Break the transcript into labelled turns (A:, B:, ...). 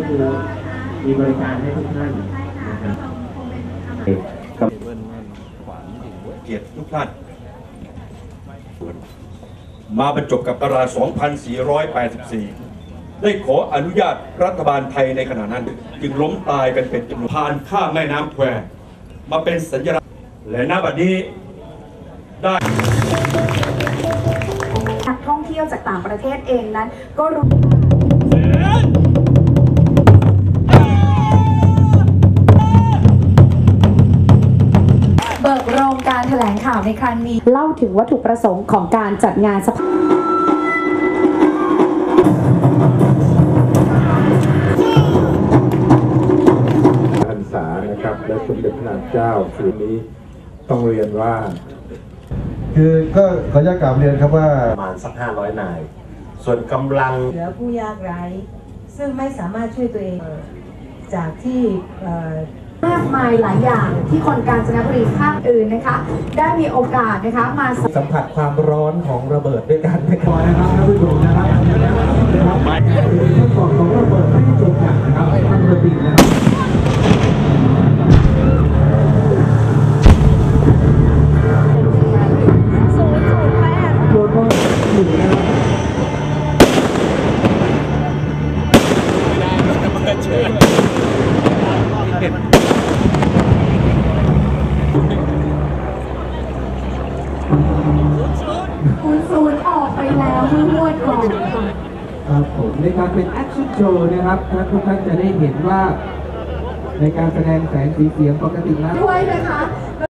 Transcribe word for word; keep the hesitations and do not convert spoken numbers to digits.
A: คือมีบริการให้ทุกท่านนะครับกับ
B: เกียรติทุกท่านมาบรรจบกับตาราง สองพันสี่ร้อยแปดสิบสี่ ได้ขออนุญาตรัฐบาลไทยในขณะนั้นจึงล้มตายกันเป็นจำนวนผ่านข้ามแม่น้ำแควมาเป็นสัญลักษณ์และณบัดนี้ได้
C: นักท่องเที่ยวจากต่างประเทศเองนั้นก็รู้เบิกโรงการแถลงข่าวในครั้งนี้เล่าถึงวัตถุประสงค์ของการจัดงานสภา
D: พรรษานะครับและสมเด็จพระนางเจ้าคืนนี้ต้องเรียนว่า
E: คือก็ขออนุญาตกล่าวเรียนครับว่า
F: ประมาณสักห้าร้อยนายส่วนกำลัง
G: เหลือผู้ยากไร้ซึ่งไม่สามารถช่วยตัวเองจากที่
C: มากมายหลายอย่างที่คนกาญจนบุรีภาคอื่นนะคะได้มีโอกาสนะคะมา
H: สัมผัสความร้อนของระเบิดด้วยกันนะครับนะครับท่านผู้ชมนะครับขั้นตอนของระเบิดไม่จบอย่างนะครับท่านระบิดนะครับ
C: คุณศูนย์ออกไปแล้วเมื่อวดก่อน
H: ครับผมในการเป็นแอคชั่นโชว์นะครับท่านทุกท่านจะได้เห็นว่าในการแสดงแสงสีเสียงปกติแล้ว
C: ด้วยนะคะ